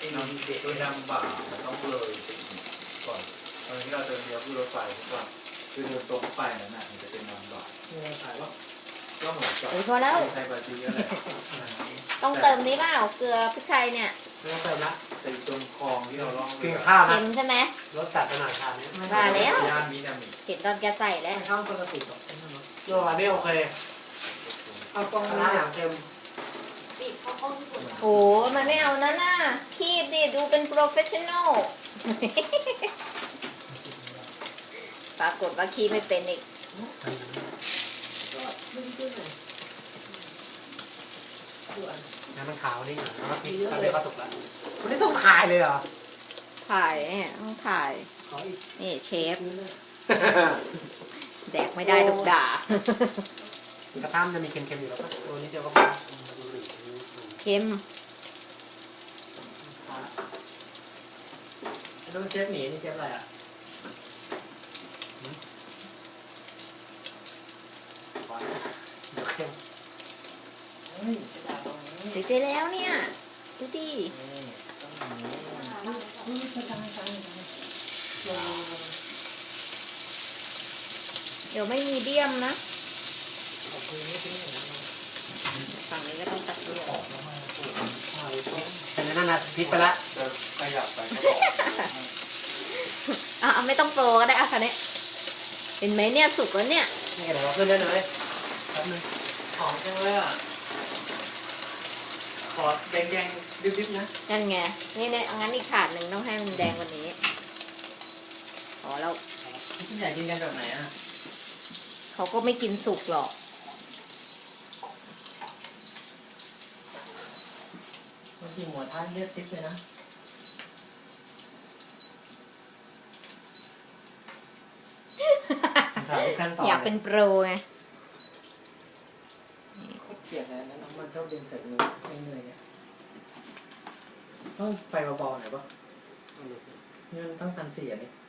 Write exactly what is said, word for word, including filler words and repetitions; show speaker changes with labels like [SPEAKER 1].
[SPEAKER 1] น้ำเด็กด้วยน้ำบ่าต้องเลยไปอีกก่อนตอนที่เราเดินเลี้ยวขึ้นรถไฟก่อนคือเดินตรงไปนั่นน่ะมันจะเป็นน้ำบ่า
[SPEAKER 2] เนี่ยขายว่า
[SPEAKER 1] ก็เหมือนกับ
[SPEAKER 3] เฮ้ยพอแล้ว
[SPEAKER 1] ไทยบาจีอะไร
[SPEAKER 3] ต้องเติมนี้เปล่าเกลือพริกไทยเนี่ย
[SPEAKER 2] ไม่ต้องเติมละ
[SPEAKER 1] ใส่ตรงคลองที่เราล่อง
[SPEAKER 2] กินข้าวนะ
[SPEAKER 3] เค็มใช่ไหม
[SPEAKER 2] รสจัดขนาดทานนี้
[SPEAKER 3] ว่าแล้ว
[SPEAKER 1] ย่านมินามิ
[SPEAKER 3] เห็นตอนแกใส่แล้ว
[SPEAKER 2] ไม่เข้าปกติหรอกโยอันนี้โอเคเอาตรงนี้อย่างเค็ม
[SPEAKER 3] โอ้มันไม่เอานั่นน่ะคีบดิดูเป็นโปรเฟชชั่นอล ปรากฏว่าคีบไม่เป็นอีก
[SPEAKER 2] น้ำมันขาวนี่แล้วก็พริกตอนนี้ก็สุกแล้ววันนี้ต้องขายเลยเหรอ
[SPEAKER 3] ถ่ายเนี่ยต้องถ่าย
[SPEAKER 2] ขออีก
[SPEAKER 3] นี่เชฟ แดกไม่ได้ถูกด่า
[SPEAKER 2] กระทะมันจะมีเค็มๆอยู่แล้วก็ตัวนี้เดียวก็พอ
[SPEAKER 3] เค็ม
[SPEAKER 2] ดูเชฟหนีนี่เชฟอะไรอ่ะเดี๋ยวเค็ม
[SPEAKER 3] ติดไปแล้วเนี่ยดูดิเดี๋ยวไม่มีเดียมนะฝั่งนี้ก็ต้องตัดเดียว
[SPEAKER 2] แต่นั่นน่ะพริกไปละ
[SPEAKER 1] จะขยับไปก็บอก
[SPEAKER 3] อ่ะไม่ต้องโปรก็ได้อ่ะคันนี้เห็นไหมเนี่ยสุกแล้วเนี่ย
[SPEAKER 2] นี่เดี๋ยวเราขึ้นได้เลยแป๊บนึง
[SPEAKER 1] หอมจังเลยอ่ะขอแดงๆดิบๆนะ
[SPEAKER 3] นั่นไงนี่เนี่ยงั้นอีกถาดหนึ่งต้องให้มันแดงกว่านี้อ๋อแล้ว
[SPEAKER 1] พี่ใหญ่กินกันแบบไหนอ่ะ
[SPEAKER 3] เขาก็ไม่กินสุกหรอก
[SPEAKER 2] บางทีหมูท้ายเลือดซิปเลยนะถามขั้นตอน
[SPEAKER 3] อยากเป็นโปรไง
[SPEAKER 2] เกลียดนะน้ำมันชอบเดินเสร็จเลยเหนื่อยเนี่ยต้องไฟเบาๆหน่อยป่ะนี่มันต้องพันสี่อันนี้